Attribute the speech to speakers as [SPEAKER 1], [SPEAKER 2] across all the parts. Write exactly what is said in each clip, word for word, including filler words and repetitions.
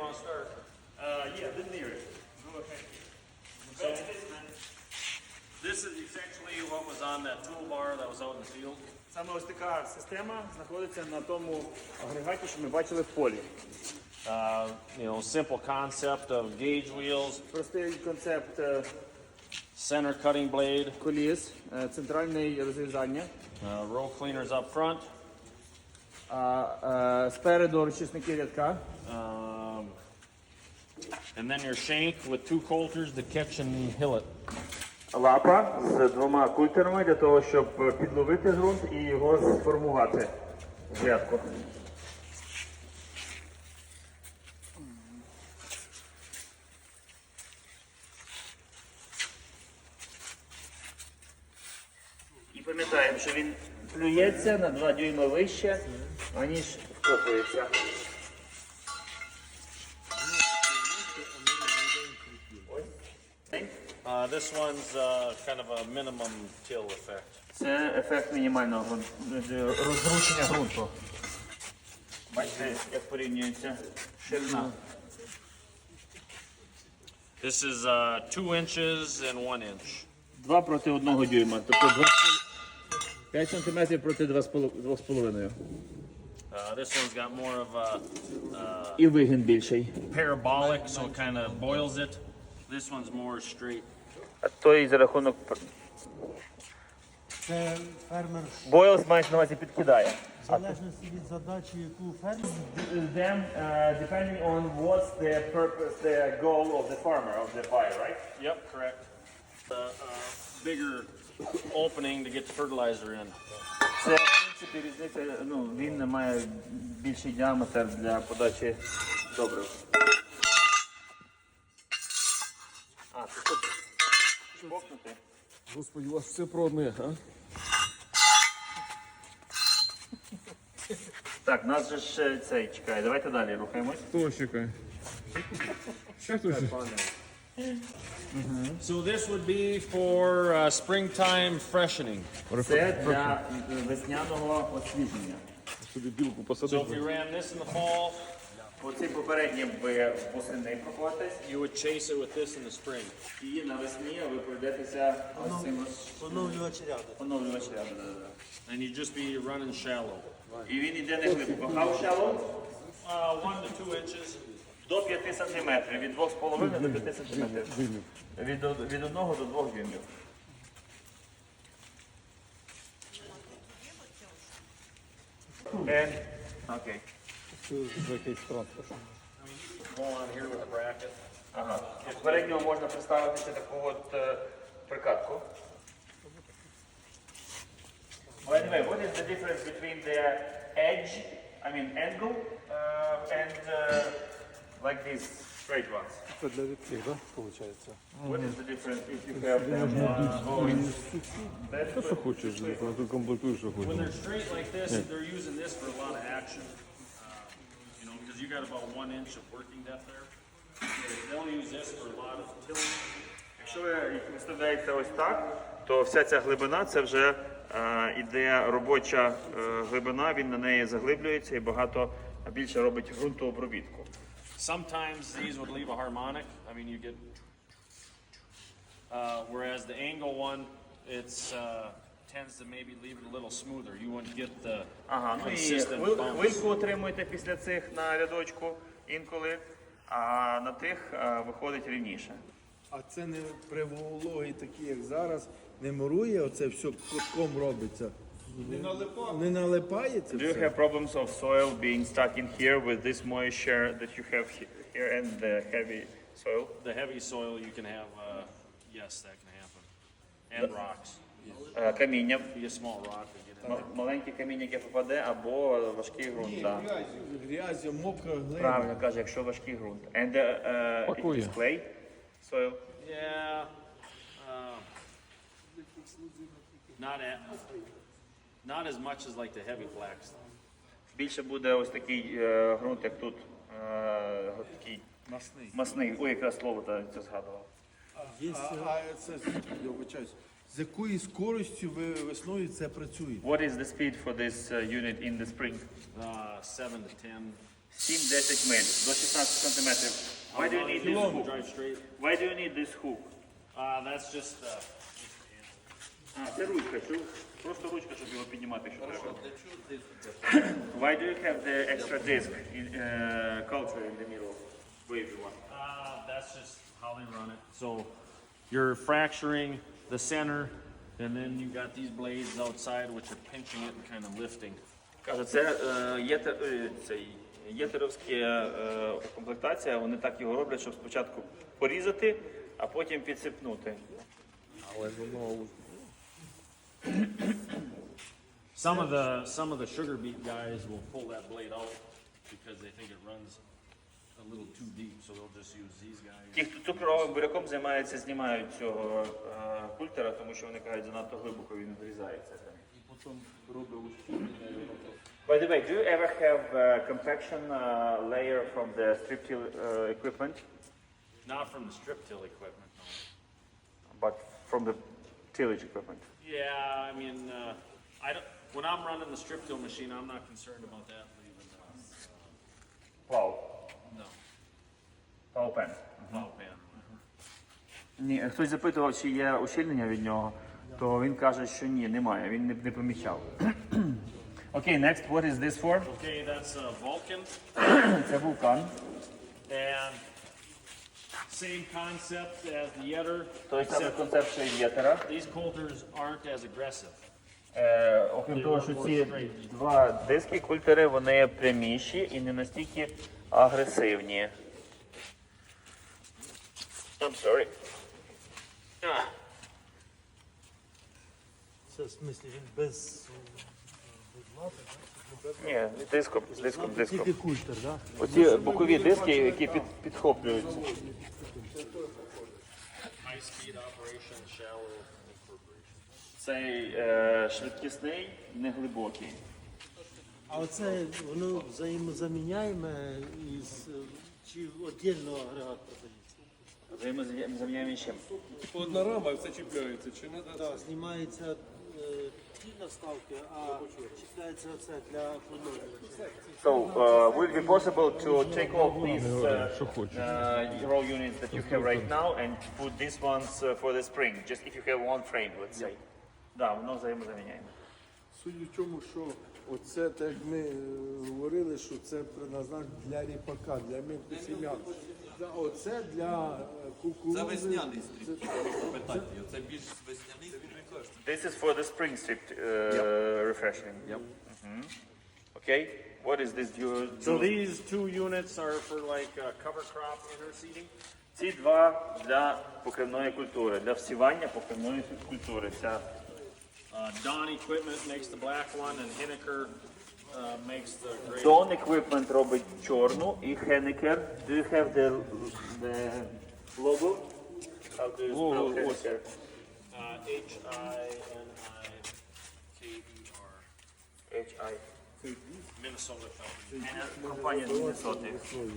[SPEAKER 1] want to start?
[SPEAKER 2] Uh, yeah, didn't hear it. Go ahead.
[SPEAKER 1] So, this is essentially what was on that toolbar that was out in the field.
[SPEAKER 2] Саме ось така система знаходиться на тому агрегаті, що ми бачили в полі.
[SPEAKER 1] Uh, you know, simple concept of gauge wheels,
[SPEAKER 2] Простий концепт е,
[SPEAKER 1] center cutting blade,
[SPEAKER 2] коліс, е, центральне розрізання.
[SPEAKER 1] uh, row cleaners up front,
[SPEAKER 2] А е, спереду розчисники рядка.
[SPEAKER 1] um, and then your shank with two coulters to catch and hill it.
[SPEAKER 2] Лапа з двома культерами для того, щоб підловити ґрунт і його сформувати в грядку. І пам'ятаємо, що він плюється на два дюйма вище, аніж вкопується.
[SPEAKER 1] Uh, this one's uh, kind of a minimum till effect.
[SPEAKER 2] Це ефект мінімального ґрунт- розгручення ґрунту. Бачите, як порівнюється ширина.
[SPEAKER 1] This is uh, two inches and one inch.
[SPEAKER 2] Два проти одного дюйма, тобто п'ять сантиметрів проти два з половиною.
[SPEAKER 1] Uh, this one's got more of a uh,
[SPEAKER 2] І вигін більший.
[SPEAKER 1] parabolic, so it kind of boils it. This one's more straight.
[SPEAKER 2] А той за рахунок...
[SPEAKER 3] Це фермер
[SPEAKER 2] Бойлс мається на увазі підкидає.
[SPEAKER 3] в залежності від задачі, яку фермер
[SPEAKER 2] Then, uh, depending on what's the purpose, the goal of the farmer, of the buyer, right?
[SPEAKER 1] Yep, correct. The uh, bigger opening to get the fertilizer in.
[SPEAKER 2] Це, в принципі, різниця, ну, він має більший діаметр для подачі добрив. А, це тут чпокнути.
[SPEAKER 4] Господи, у вас все про одне, а?
[SPEAKER 2] Так, нас же ж цей чекає. Давайте далі рухаємось.
[SPEAKER 4] Хто чекає? Ще хтось?
[SPEAKER 1] So this would be for uh, springtime freshening.
[SPEAKER 2] Це для весняного освіження.
[SPEAKER 4] Собі білку
[SPEAKER 1] So if
[SPEAKER 4] посадити.
[SPEAKER 1] you ran this in the fall,
[SPEAKER 2] Оці попередні ви восени проходитесь,
[SPEAKER 1] you would chase it with this in the spring.
[SPEAKER 2] і навесні ви пройдетеся ось цим ось
[SPEAKER 3] поновлювач ряду.
[SPEAKER 2] поновлювач ряду. Да-да-да.
[SPEAKER 1] And you'd just be running shallow.
[SPEAKER 2] І він йде не глибоко. How shallow?
[SPEAKER 1] Uh, one to two inches.
[SPEAKER 2] До п'яти сантиметрів, від двох з половиною до п'яти сантиметрів. Від, од- від одного до двох дюймів. And, окей.
[SPEAKER 1] Go on here with a bracket.
[SPEAKER 2] Ага. Попередньо можна представити ще таку от е, прикатку. By the way, what is the difference between the edge, I mean angle, uh, and uh, like these straight ones?
[SPEAKER 3] Це для відкрив, так, виходить?
[SPEAKER 2] What is the difference if you have them uh, going that
[SPEAKER 4] Що хочеш, ти комплектуєш, що
[SPEAKER 1] When
[SPEAKER 4] хочеш.
[SPEAKER 1] they're straight like this, they're using this for a lot of action. Uh, you know, because you got about one inch of working depth there. So they'll use this for a lot of tilling.
[SPEAKER 2] Якщо ви їх виставляєте ось так, то вся ця глибина це вже е, іде робоча е, глибина, він на неї заглиблюється і багато більше робить ґрунтообробітку.
[SPEAKER 1] Sometimes these would leave a harmonic. I mean, you get. Uh, whereas the angle one, it's uh, tends to maybe leave it a little smoother. You wouldn't get the
[SPEAKER 2] Ага, ну і
[SPEAKER 1] consistent
[SPEAKER 2] хвиль-
[SPEAKER 1] bumps.
[SPEAKER 2] хвильку отримуєте після цих на рядочку інколи, а на тих е, виходить рівніше.
[SPEAKER 3] А це не при вологі такі, як зараз, не мурує, оце все кутком робиться. Не налипає? Не налипає це
[SPEAKER 2] Do you
[SPEAKER 3] все?
[SPEAKER 2] have problems of soil being stuck in here with this moisture that you have he- here and the heavy soil?
[SPEAKER 1] The heavy soil, you can have. Uh, yes, that can happen. And rocks.
[SPEAKER 2] Е, Каміння,
[SPEAKER 1] Be a small rock to get in.
[SPEAKER 2] м- маленьке каміння, яке попаде, або важкий ґрунт.
[SPEAKER 3] Ні,
[SPEAKER 2] Да.
[SPEAKER 3] грязь, грязь, мокра глина.
[SPEAKER 2] Правильно каже, якщо важкий ґрунт. And uh, uh, it
[SPEAKER 4] Пакує.
[SPEAKER 2] is clay soil.
[SPEAKER 1] Yeah. Uh, not at, not as much as like the heavy black stuff.
[SPEAKER 2] Більше буде ось такий е, ґрунт, як тут. Е, такий
[SPEAKER 1] Масний.
[SPEAKER 2] масний. Ой, якраз слово та- це згадував.
[SPEAKER 3] Є, а, а це, я вибачаюсь, з якою скоростю ви весною це працює?
[SPEAKER 2] What is the speed for this uh, unit in the spring?
[SPEAKER 1] Uh, seven to ten.
[SPEAKER 2] сім-десять миль, до шістнадцять сантиметрів. Why do you need this hook?
[SPEAKER 1] Drive straight.
[SPEAKER 2] Why do you need this hook?
[SPEAKER 1] Uh, that's just, uh,
[SPEAKER 2] А, це ручка, чув? Просто ручка, щоб його піднімати, якщо треба. Why do you have the extra disc in uh, culture in the middle? Wavy one.
[SPEAKER 1] uh, that's just how they run it. So you're fracturing the center, and then you got these blades outside which are pinching it and kind of lifting.
[SPEAKER 2] Каже, це е, єтер, е, цей, єтеровська е, комплектація, вони так його роблять, щоб спочатку порізати, а потім підсипнути.
[SPEAKER 4] Але воно
[SPEAKER 1] Some of the some of the sugar beet guys will pull that blade out because they think it runs a little too deep, so they'll just use these guys.
[SPEAKER 2] Ті, хто цукровим буряком займається, знімають цього е, культера, тому що вони кажуть, занадто глибоко він врізається. By the way, do you ever have uh, compaction uh, layer from the strip till uh, equipment,
[SPEAKER 1] Not from the strip till equipment. No.
[SPEAKER 2] but from the tillage equipment?
[SPEAKER 1] Yeah, I mean, uh, I don't. When I'm running the strip till machine, I'm not concerned about that leaving. Uh,
[SPEAKER 2] Plow.
[SPEAKER 1] no,
[SPEAKER 2] Plow pen.
[SPEAKER 1] plow pan.
[SPEAKER 2] Ні, хтось запитував, чи є ущільнення від нього, то він каже, що ні, немає, він не, не помічав. Окей, okay, next, what is this for?
[SPEAKER 1] Okay, that's a Vulcan,
[SPEAKER 2] Це вулкан.
[SPEAKER 1] and same concept as the Yetter,
[SPEAKER 2] Той самий
[SPEAKER 1] except
[SPEAKER 2] концепт, що і єтера.
[SPEAKER 1] these coulters aren't as aggressive.
[SPEAKER 2] Е, окрім того, що ці два диски, культери, вони пряміші і не настільки агресивні. I'm sorry. Ah.
[SPEAKER 5] Це в смислі він без, без лапи, так?
[SPEAKER 2] Ні, з диском, з диском, з диском.
[SPEAKER 5] Тільки культер, так?
[SPEAKER 2] Оці бокові диски, які під, підхоплюються.
[SPEAKER 1] High speed operation, shallow incorporation.
[SPEAKER 2] Цей е, швидкісний, неглибокий.
[SPEAKER 5] А оце воно взаємозаміняємо із е, чи віддільно агрегат продається?
[SPEAKER 2] Взаємозаміняємо чим?
[SPEAKER 4] одна рама, все чіпляється, чи не?
[SPEAKER 5] Так, знімається е, ті наставки, а чіпляється оце для формування.
[SPEAKER 2] So, uh, will it be possible to take off these uh, uh, roll units that you have right now and put these ones uh, for the spring, just if you have one frame, let's say? Да, воно взаємозаміняємо.
[SPEAKER 3] Суть в тому, що оце, так як ми е, говорили, що це предназначено для ріпака, для мілкосім'ян. А оце для е, кукурудзи.
[SPEAKER 6] Це весняний стріп. Питайте його, це більш весняний стріп.
[SPEAKER 2] This is for the spring strip uh, refreshing.
[SPEAKER 6] Yep.
[SPEAKER 2] Mhm. Okay, what is this? You,
[SPEAKER 1] So these two units are for like uh, cover crop interseeding.
[SPEAKER 2] Ці два для покривної культури, для всівання покривної культури. Ця
[SPEAKER 1] Uh, Dawn Equipment makes the black one, and Hinneker uh, makes the gray.
[SPEAKER 2] Dawn Equipment робить чорну і Henneker. Do you have the, the logo? How do you spell Henneker?
[SPEAKER 1] Uh, H I N I K E R.
[SPEAKER 2] H I.
[SPEAKER 1] Minnesota company.
[SPEAKER 2] Компанія з Міннесоти.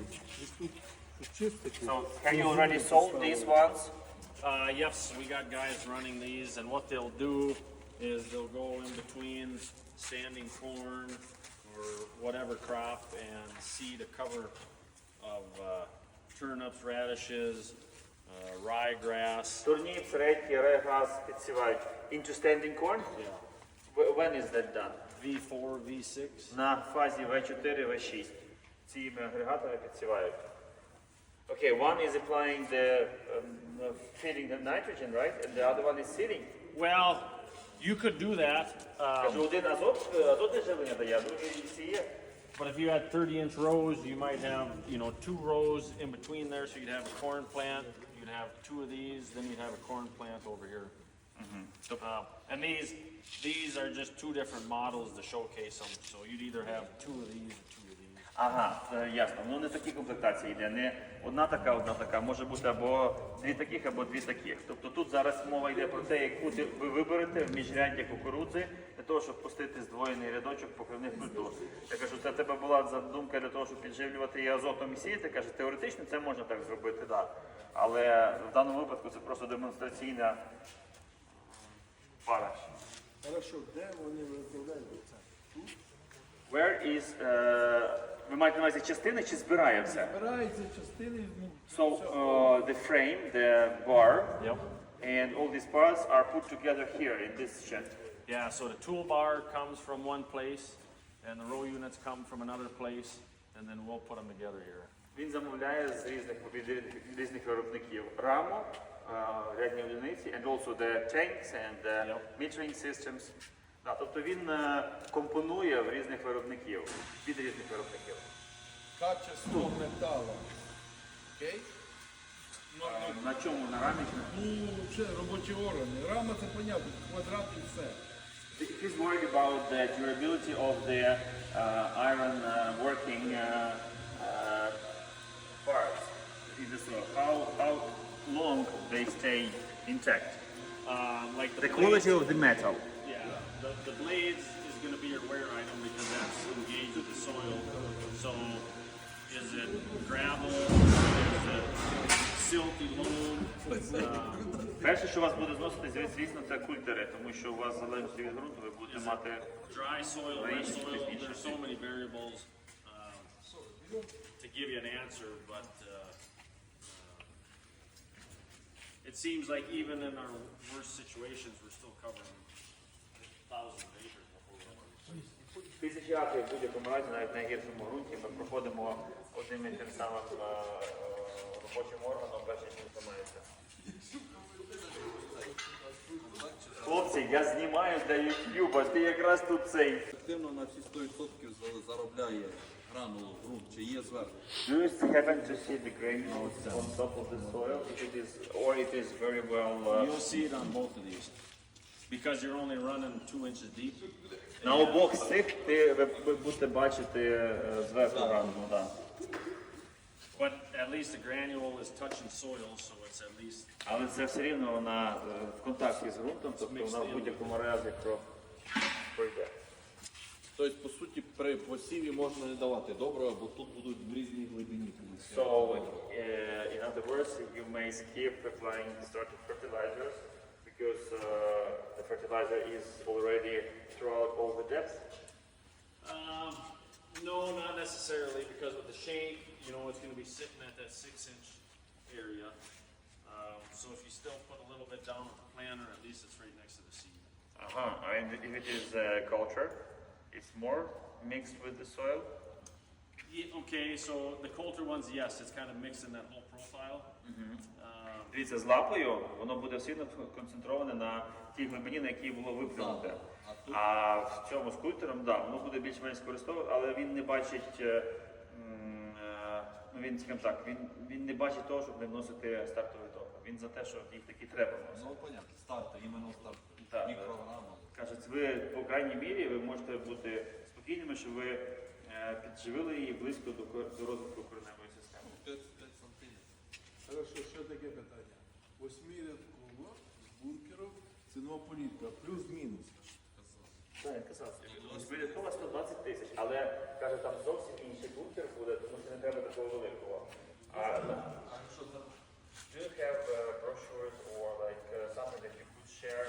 [SPEAKER 3] Чистики.
[SPEAKER 2] So, have you already sold these ones?
[SPEAKER 1] Uh, yes, we got guys running these, and what they'll do is they'll go in between standing corn or whatever crop and seed a cover of uh, turnips, radishes, uh, ryegrass.
[SPEAKER 2] Турніп, редьки, регаз підсівають. Into standing corn?
[SPEAKER 1] Yeah.
[SPEAKER 2] Wh- When is that done?
[SPEAKER 1] V four, V six.
[SPEAKER 2] На фазі ве чотири, ве шість. Цими агрегатами підсівають. Okay, one is applying the um, uh, feeding the nitrogen, right? And the other one is seeding.
[SPEAKER 1] Well, you could do that, um,
[SPEAKER 2] Кажу, один азот, е, азотне живлення дає, а другий сіє.
[SPEAKER 1] but if you had thirty inch rows, you might have, you know, two rows in between there, so you'd have a corn plant, you'd have two of these, then you'd have a corn plant over here. Uh, and these, these are just two different models to showcase them, so you'd either have two of these or two of these.
[SPEAKER 2] Ага, це ясно. Ну не такі комплектації йде. Не одна така, одна така. Може бути або дві таких, або дві таких. Тобто тут зараз мова йде про те, яку ти ви виберете в міжряддя кукурудзи для того, щоб пустити здвоєний рядочок покривних культур. Я кажу, це в тебе була задумка для того, щоб підживлювати і азотом і сіяти. Каже, теоретично це можна так зробити, так. Але в даному випадку це просто демонстраційна пара.
[SPEAKER 3] Хорошо, де вони виготовляють це? Тут?
[SPEAKER 2] Where is, е, ви маєте на увазі частини чи збирає все?
[SPEAKER 3] Збираються частини, ну,
[SPEAKER 2] So uh, the frame, the bar,
[SPEAKER 1] Yep.
[SPEAKER 2] and all these parts are put together here in this shed.
[SPEAKER 1] Yeah, so the toolbar comes from one place, and the row units come from another place, and then we'll put them together here.
[SPEAKER 2] Він замовляє з різних від від різних виробників раму, е, рядні одиниці, and also the tanks and the
[SPEAKER 1] Yep.
[SPEAKER 2] metering systems. Да, тобто він е, компонує в різних виробників, від різних виробників.
[SPEAKER 3] качество металу. Окей? Ну,
[SPEAKER 2] Е, На чому? На рамі? чи на-
[SPEAKER 3] ну, ще робочі органи. Рама це понятно, квадрат і все.
[SPEAKER 2] He's worried about the durability of the uh, iron uh, working uh, uh, parts in the soil. How, how long they stay intact?
[SPEAKER 1] Um, like the,
[SPEAKER 2] The
[SPEAKER 1] blades,
[SPEAKER 2] quality of the metal.
[SPEAKER 1] yeah, the, the blades is going to be your wear item because that's engaged with the soil. So, is it gravel? Is it silty loam? Um,
[SPEAKER 2] Перше, що вас буде зносити, зві- звісно, це культери, тому що у вас залежить від ґрунту, ви будете мати
[SPEAKER 1] dry soil, wet
[SPEAKER 2] Range
[SPEAKER 1] soil.
[SPEAKER 2] is
[SPEAKER 1] There's so many variables um, to give you an answer, but uh, uh, it seems like even in our worst situations, we're still covering thousands of acres before we're
[SPEAKER 2] тисячі акрів в будь-якому разі, навіть в найгіршому ґрунті, ми проходимо одним і тим самим е, е, робочим органом, перш ніж він займається. Хлопці, я знімаю для YouTube, ти якраз тут цей.
[SPEAKER 6] Ефективно на всі сто відсотків за- заробляє гранулу, ґрунт, чи є зверху.
[SPEAKER 2] Do you happen to see the granules on top of the soil? If it is, or it is very well. Uh,
[SPEAKER 1] You'll see it on both of these because you're only running two inches deep.
[SPEAKER 2] на обох з цих ти ви, ви будете бачити е, зверху гранулу, да.
[SPEAKER 1] But at least the granule is touching soil, so it's at least
[SPEAKER 2] Але це все рівно вона е, в контакті з ґрунтом, тобто вона в будь-якому разі про- пройде.
[SPEAKER 6] Тобто, по суті, при посіві можна не давати доброго, бо тут будуть в різній глибині.
[SPEAKER 2] So, uh, in other words, you may skip applying starting fertilizers because uh, the fertilizer is already throughout all the depth.
[SPEAKER 1] Um, no, not necessarily, because with the shape, you know, it's going to be sitting at that six-inch area. Um, so if you still put a little bit down with the planter, at least it's right next to the seed.
[SPEAKER 2] Uh-huh. And if it is uh, culture, it's more mixed with the soil.
[SPEAKER 1] Yeah, okay, so the Coulter ones, yes, it's kind of mixed in that whole profile. Um,
[SPEAKER 2] Дивіться, з лапою воно буде сильно концентроване на тій глибині, на якій було виплюнуте. А в цьому з культером, да, воно буде більш-менш використовувати, але він не бачить, е, м, е, ну він, скажімо так, він, він не бачить того, щоб не вносити стартовий ток. Він за те, що їх таки треба вносити.
[SPEAKER 6] Ну, понятно, старти, іменно старт,
[SPEAKER 2] Так,
[SPEAKER 6] мікрограма.
[SPEAKER 2] Кажуть, ви по крайній мірі ви можете бути спокійними, що ви е, підживили її близько до, кор- до розвитку кореневої системи.
[SPEAKER 6] п'ять сантиметрів.
[SPEAKER 3] Хорошо, ще таке питання. Восьмирядково з бункером цінова політика, плюс-мінус.
[SPEAKER 2] Так, я казав, збіркова сто двадцять тисяч, але каже, там зовсім інший бункер буде, тому що не треба такого великого. А do you have uh, brochures or like uh, something that you could share?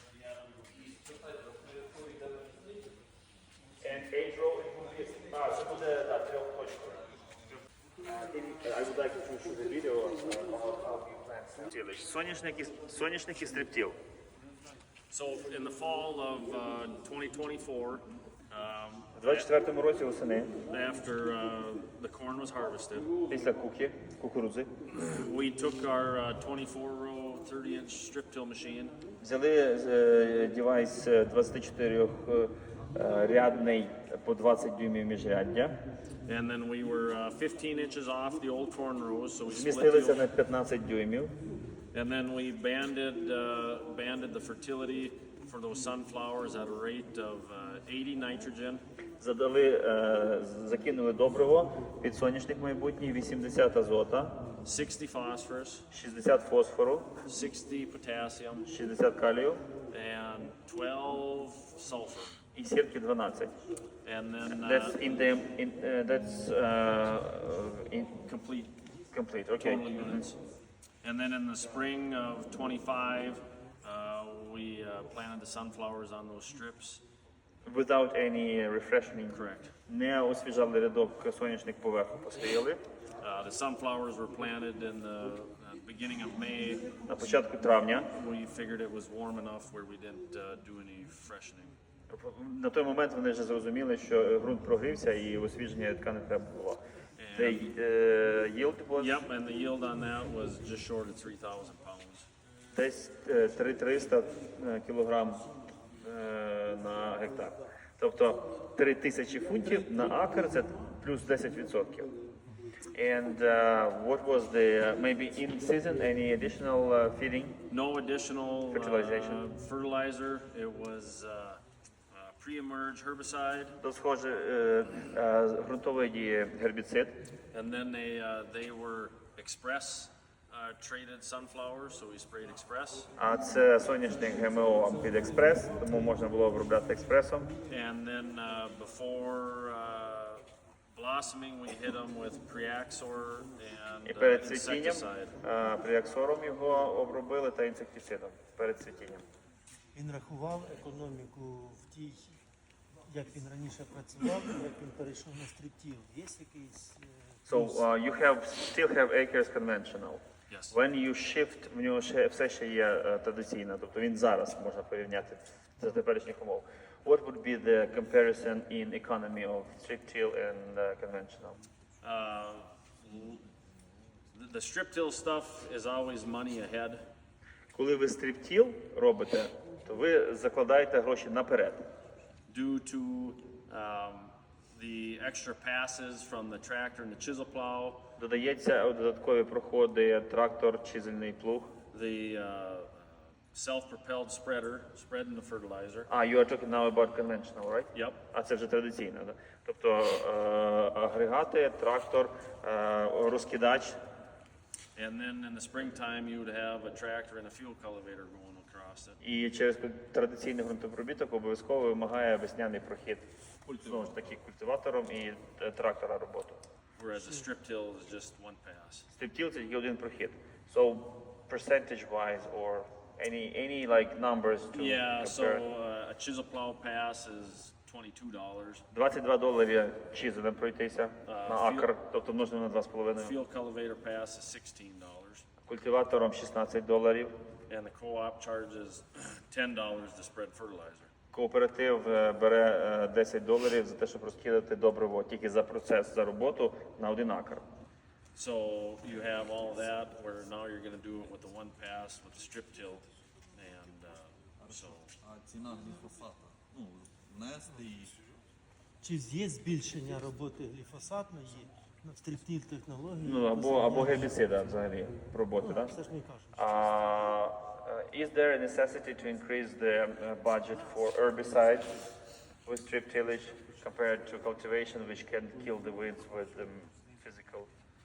[SPEAKER 2] And age roll it will be, а, це буде, да, трьохточкове. Uh, in- I would like to show the video uh, about how you plant. Соняшник і, соняшник і стриптіл.
[SPEAKER 1] so in the fall of uh, twenty twenty-four, um,
[SPEAKER 2] У двадцять четвертому році восени,
[SPEAKER 1] after uh, the corn was harvested,
[SPEAKER 2] після куки, кукурудзи,
[SPEAKER 1] we took our uh, twenty-four row, thirty inch strip till machine.
[SPEAKER 2] взяли е, девайс е, двадцятичотирьохрядний по двадцять дюймів міжряддя,
[SPEAKER 1] And then we were uh, fifteen inches off the old corn rows, so we split
[SPEAKER 2] змістилися
[SPEAKER 1] the
[SPEAKER 2] на п'ятнадцять дюймів,
[SPEAKER 1] and then we banded uh, banded the fertility for those sunflowers at a rate of uh, eighty nitrogen,
[SPEAKER 2] задали, е, закинули добриво під соняшник майбутній, вісімдесят азота,
[SPEAKER 1] sixty phosphorus,
[SPEAKER 2] шістдесят фосфору,
[SPEAKER 1] sixty potassium,
[SPEAKER 2] шістдесят калію
[SPEAKER 1] and twelve sulfur.
[SPEAKER 2] і сірки дванадцять.
[SPEAKER 1] And then
[SPEAKER 2] That's
[SPEAKER 1] uh,
[SPEAKER 2] in the, in, uh, that's uh, in,
[SPEAKER 1] complete
[SPEAKER 2] complete, okay.
[SPEAKER 1] total units. And then in the spring of twenty-five, uh, we uh, planted the sunflowers on those strips.
[SPEAKER 2] Without any refreshing.
[SPEAKER 1] Correct.
[SPEAKER 2] Не освіжали рядок, соняшник поверху посіяли.
[SPEAKER 1] Uh, the sunflowers were planted in the uh, beginning of May.
[SPEAKER 2] На початку травня.
[SPEAKER 1] We figured it was warm enough where we didn't uh, do any freshening.
[SPEAKER 2] На той момент вони вже зрозуміли, що ґрунт прогрівся і освіження рядка не треба було. The uh, yield was
[SPEAKER 1] Yep, and the yield on that was just short of three thousand pounds.
[SPEAKER 2] десь е, три тисячі триста е, кілограм е, на гектар. Тобто три тисячі фунтів на акр – це плюс десять відсотків. And uh, what was the, uh, maybe in season, any additional uh, feeding?
[SPEAKER 1] No additional uh,
[SPEAKER 2] Fertilization.
[SPEAKER 1] fertilizer. It was uh, uh, pre-emerge herbicide,
[SPEAKER 2] То схоже, е, е, ґрунтовий гербіцид.
[SPEAKER 1] and then they uh, they were express uh, traded sunflowers, so we sprayed express.
[SPEAKER 2] А це соняшник ГМО під експрес, тому можна було обробляти експресом.
[SPEAKER 1] And then uh, before uh, blossoming, we hit them with Preaxor and
[SPEAKER 2] І
[SPEAKER 1] uh,
[SPEAKER 2] перед цвітінням
[SPEAKER 1] insecticide.
[SPEAKER 2] е, пріаксором його обробили та інсектицидом перед цвітінням.
[SPEAKER 5] Він рахував економіку в тій, як він раніше працював, як він перейшов на стриптіл. Є якийсь е,
[SPEAKER 2] So uh, you have still have acres conventional.
[SPEAKER 1] Yes.
[SPEAKER 2] When you shift, в нього ще все ще є е, традиційно, тобто він зараз можна порівняти за теперішніх умов. What would be the comparison in economy of strip till and uh, conventional?
[SPEAKER 1] Uh, the- the strip till stuff is always money ahead.
[SPEAKER 2] Коли ви стриптіл робите, то ви закладаєте гроші наперед.
[SPEAKER 1] Due to um, the extra passes from the tractor and the chisel plow,
[SPEAKER 2] Додається додаткові проходи трактор, чизельний плуг.
[SPEAKER 1] the uh, self-propelled spreader, spreading the fertilizer.
[SPEAKER 2] А, you are talking now about conventional, right?
[SPEAKER 1] Yep.
[SPEAKER 2] А це вже традиційно, да? Тобто е, агрегати, трактор, е, розкидач.
[SPEAKER 1] And then in the springtime, you would have a tractor and a fuel cultivator going across it.
[SPEAKER 2] І через традиційний ґрунтопробіток обов'язково вимагає весняний прохід. Знову ж таки, культиватором і е, трактора роботу.
[SPEAKER 1] Whereas a strip till is just one pass.
[SPEAKER 2] Стриптіл – це тільки один прохід. So, percentage-wise or any, any like numbers to
[SPEAKER 1] Yeah, so
[SPEAKER 2] compare?
[SPEAKER 1] uh, a chisel plow pass is twenty-two dollars.
[SPEAKER 2] двадцять два доларі чизелем пройтися на
[SPEAKER 1] філ-
[SPEAKER 2] акр, тобто множимо на два з половиною.
[SPEAKER 1] Fuel cultivator pass is sixteen dollars.
[SPEAKER 2] Культиватором шістнадцять доларів.
[SPEAKER 1] And the co-op charges ten dollars to spread fertilizer.
[SPEAKER 2] Кооператив е, бере е, десять доларів за те, щоб розкидати добриво тільки за процес, за роботу на один акр.
[SPEAKER 1] So you have all of that, where now you're gonna do it with the one pass with the strip till. And uh, so,
[SPEAKER 6] А ціна гліфосата, ну, внести і
[SPEAKER 5] чи є збільшення роботи гліфосатної на стриптіл технології?
[SPEAKER 2] Ну, або, або гербіцида взагалі роботи, так?
[SPEAKER 5] Це ж не кажуть.
[SPEAKER 2] Uh, uh, is there a necessity to increase the uh, budget for herbicide with strip tillage compared to cultivation, which can kill the weeds with um, physical?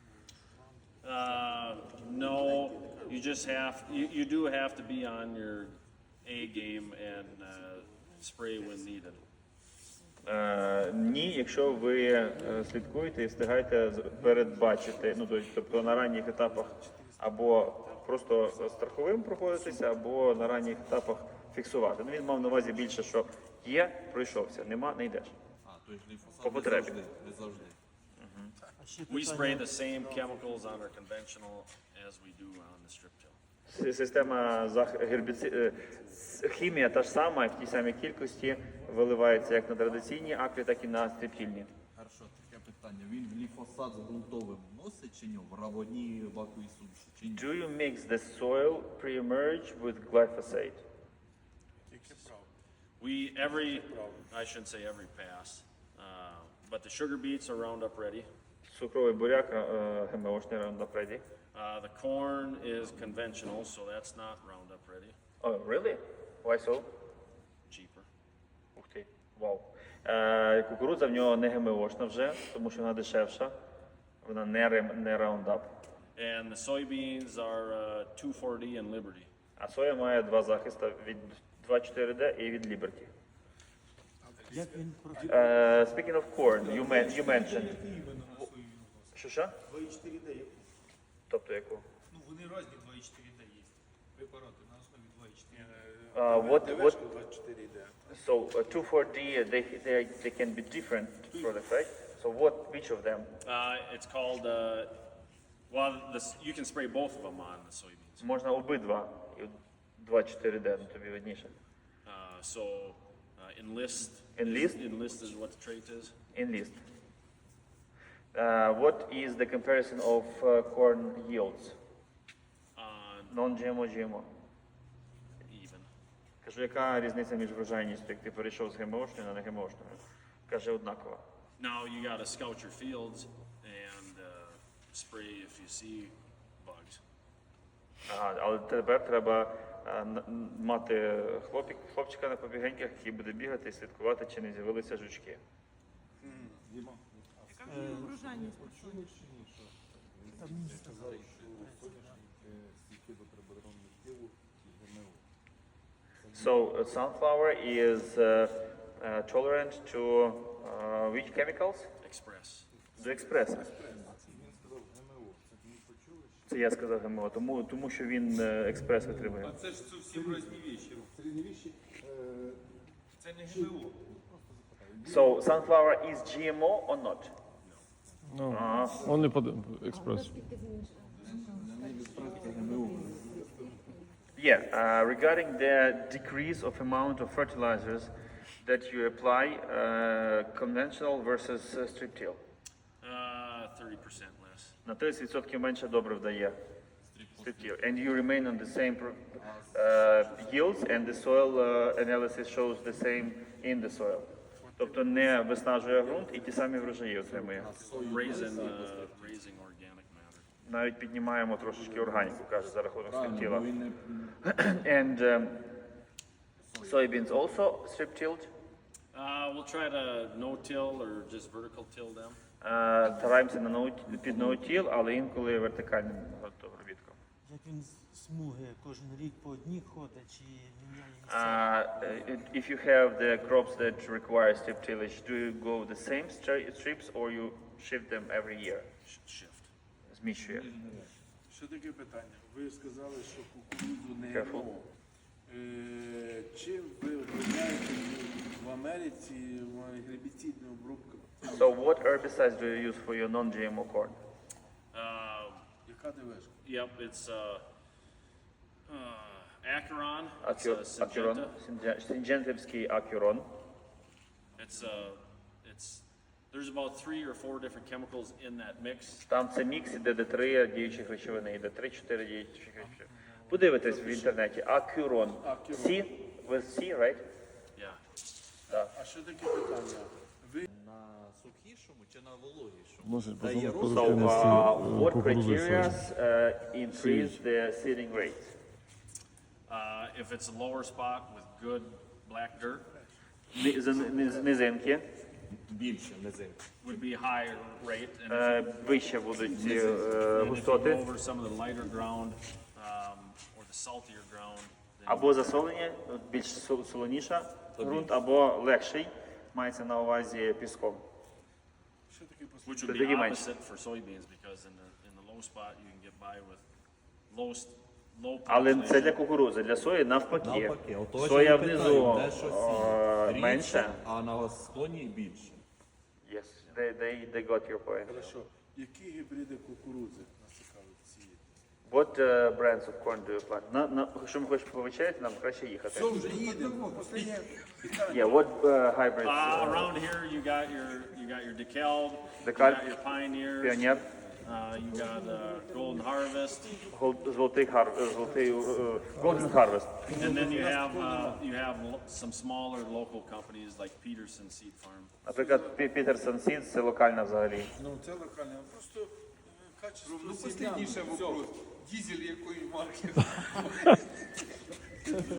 [SPEAKER 1] uh, no, you just have, you, you do have to be on your A game and uh, spray when needed.
[SPEAKER 2] Е, ні, якщо ви е, слідкуєте і встигаєте з- передбачити, ну то- тобто на ранніх етапах або просто страховим проходитися, або на ранніх етапах фіксувати. Ну він мав на увазі більше, що є, пройшовся, нема, не йдеш.
[SPEAKER 6] а, той гліфосат
[SPEAKER 2] По
[SPEAKER 6] не
[SPEAKER 2] потребі.
[SPEAKER 6] завжди, не завжди.
[SPEAKER 5] А ще
[SPEAKER 1] We spray
[SPEAKER 5] питання,
[SPEAKER 1] the same chemicals on our conventional as we do on the strip till.
[SPEAKER 2] С- Система зах- гербіци... е, с- хімія та ж сама, в тій самій кількості виливається як на традиційні акри, так і на стриптільні.
[SPEAKER 6] Хорошо, таке питання. Він гліфосат з ґрунтовим носить чи ні? В равоні ваковій суміші чи ні?
[SPEAKER 2] Do you mix the soil pre-emerge with glyphosate?
[SPEAKER 1] We, every, I shouldn't say every pass, uh, but the sugar beets are Roundup ready.
[SPEAKER 2] Цукровий буряк, е, ГМОшний Roundup Ready.
[SPEAKER 1] Uh, the corn is conventional, so that's not Roundup ready,
[SPEAKER 2] Oh, really? Why so?
[SPEAKER 1] cheaper.
[SPEAKER 2] Ух ти, вау. Е, кукурудза в нього не ГМОшна вже, тому що вона дешевша. Вона не, рем- не Roundup.
[SPEAKER 1] And the soybeans are uh, two four D and Liberty.
[SPEAKER 2] А соя має два захиста від два чотири Д і від Liberty.
[SPEAKER 5] як він про-
[SPEAKER 2] Е, speaking of corn, you, men- you mentioned. Що що?
[SPEAKER 7] два і чотири Д.
[SPEAKER 2] Тобто яку?
[SPEAKER 7] Ну вони різні два і чотири Д є.
[SPEAKER 4] Препарати на основі два і чотири.
[SPEAKER 2] Uh, what, what,
[SPEAKER 3] двадцять чотири йде.
[SPEAKER 2] so uh, two four D, uh, they, they, they can be different products, right? So what, which of them?
[SPEAKER 1] Uh, it's called, uh, well, this, you can spray both of them on the soybeans.
[SPEAKER 2] Можна обидва. І два чотири Д, ну тобі видніше.
[SPEAKER 1] Uh, so, uh, enlist.
[SPEAKER 2] Enlist?
[SPEAKER 1] Enlist is what the trait is.
[SPEAKER 2] Enlist. Uh, what is the comparison of uh, corn yields?
[SPEAKER 1] Uh,
[SPEAKER 2] Non-G M O, G M O.
[SPEAKER 1] even.
[SPEAKER 2] Кажу, яка різниця між врожайністю, як ти перейшов з ГМОшною на не ГМОшною? Каже, однакова.
[SPEAKER 1] Now you gotta scout your fields and uh, spray if you see bugs.
[SPEAKER 2] Ага, але тепер треба а, н- н- мати хлопік, хлопчика на побігеньках, який буде бігати і слідкувати, чи не з'явилися жучки.
[SPEAKER 7] Врожайність по сонячній.
[SPEAKER 5] Там мені сказали,
[SPEAKER 2] So uh, sunflower is uh, uh, tolerant to uh, which chemicals?
[SPEAKER 1] Express.
[SPEAKER 2] До експреса. Це я сказав ГМО, тому, тому що він е, експрес витримує.
[SPEAKER 4] А це ж зовсім різні віші.
[SPEAKER 3] Середньовіччі,
[SPEAKER 4] Це не ГМО.
[SPEAKER 2] So sunflower is G M O or not?
[SPEAKER 8] Он не под експрес.
[SPEAKER 2] Yeah, uh, regarding the decrease of amount of fertilizers that you apply, uh, conventional versus uh, strip till.
[SPEAKER 1] Uh, thirty percent less.
[SPEAKER 2] На тридцять відсотків менше добре вдає. Strip till. And you remain on the same pro- uh, yields and the soil uh, analysis shows the same in the soil. Тобто не виснажує ґрунт і ті самі врожаї отримує.
[SPEAKER 1] Raising, uh, raising organic matter.
[SPEAKER 2] Навіть піднімаємо трошечки органіку, каже, за рахунок strip тіла. And um, soybeans also strip tilled.
[SPEAKER 1] Uh, we'll try to no-till or just vertical till them.
[SPEAKER 2] Е, Стараємося на ноут- під ноутіл, але інколи вертикальним обробітком.
[SPEAKER 5] як він з- смуги кожен рік по одній ходить, чи міняє місця?
[SPEAKER 2] Uh, if you have the crops that require strip tillage, do you go the same stri- strips or you shift them every year?
[SPEAKER 1] Sh- Shift.
[SPEAKER 2] Зміщує.
[SPEAKER 3] Що таке питання? Ви сказали, що кукурудзу не
[SPEAKER 2] Careful.
[SPEAKER 3] ГМО. Е, Чим ви обробляєте в Америці в гербіцидну обробку?
[SPEAKER 2] So what herbicides do you use for your non-G M O corn?
[SPEAKER 1] Uh,
[SPEAKER 3] Яка ДВшка?
[SPEAKER 1] yep, it's uh, uh, Acheron. It's,
[SPEAKER 2] Acur-
[SPEAKER 1] uh,
[SPEAKER 2] Acuron,
[SPEAKER 1] Syngenta.
[SPEAKER 2] Synge- Syngentівський Acuron.
[SPEAKER 1] It's uh, it's there's about three or four different chemicals in that mix.
[SPEAKER 2] Там це мікс, іде де три діючих речовини, іде три-чотири діючих речовини. Подивитесь в інтернеті. Acuron. C, with C, right?
[SPEAKER 1] Yeah.
[SPEAKER 3] А що таке питання? Ви
[SPEAKER 6] На сухішому чи на вологішому?
[SPEAKER 8] Вносить
[SPEAKER 6] Дає
[SPEAKER 8] позову
[SPEAKER 6] рост.
[SPEAKER 2] So,
[SPEAKER 8] продуктивності
[SPEAKER 2] uh, what
[SPEAKER 8] кукурудзи.
[SPEAKER 2] criteria uh, increase the seeding rates?
[SPEAKER 1] Uh, if it's a lower spot with good black dirt,
[SPEAKER 2] Ни- з- низ- Низинки
[SPEAKER 6] Більше низин.
[SPEAKER 1] would be higher rate. And if
[SPEAKER 2] е, вище будуть е,
[SPEAKER 1] And if you go
[SPEAKER 2] густоти.
[SPEAKER 1] over some of the lighter ground um, or the saltier ground, then
[SPEAKER 2] Або засолені, ну, більш со- солоніша ґрунт, або легший, мається на увазі піском.
[SPEAKER 3] що таке послухайте?
[SPEAKER 1] which would
[SPEAKER 2] Тоді
[SPEAKER 1] be
[SPEAKER 2] менше.
[SPEAKER 1] opposite for soybeans because in the in the low spot you can get by with low st- low
[SPEAKER 2] Але це
[SPEAKER 1] population.
[SPEAKER 2] для кукурудзи, для сої навпаки.
[SPEAKER 6] Навпаки, отож
[SPEAKER 2] Соя
[SPEAKER 6] я
[SPEAKER 2] внизу
[SPEAKER 6] питаю, де щось
[SPEAKER 2] е,
[SPEAKER 6] рідше,
[SPEAKER 2] менше.
[SPEAKER 6] а на склоні більше.
[SPEAKER 2] Yes, they, they, they got your point.
[SPEAKER 3] Хорошо. Які гібриди кукурудзи нас цікавить ці?
[SPEAKER 2] What uh, brands of corn do you plant? На, на, якщо ми хочемо повечеряти, нам краще їхати.
[SPEAKER 3] Що вже їдемо? Останнє питання.
[SPEAKER 2] Yeah, what uh, hybrids?
[SPEAKER 1] Uh, around here you got your you got your DeKalb, you
[SPEAKER 2] DeKalb,
[SPEAKER 1] got your Pioneers,
[SPEAKER 2] Pioneer,
[SPEAKER 1] uh, you got uh, Golden Harvest,
[SPEAKER 2] Гол- золотий хар, е, золотий е, Golden Harvest.
[SPEAKER 1] and then you have uh, you have lo- some smaller local companies like Peterson Seed Farm.
[SPEAKER 2] Наприклад, Пі- Peterson Seeds, це локальна взагалі.
[SPEAKER 3] Ну, це локальне. Просто е, качество
[SPEAKER 4] Ну,
[SPEAKER 3] сім'ян.
[SPEAKER 4] останніше вопрос. Дізель якої марки?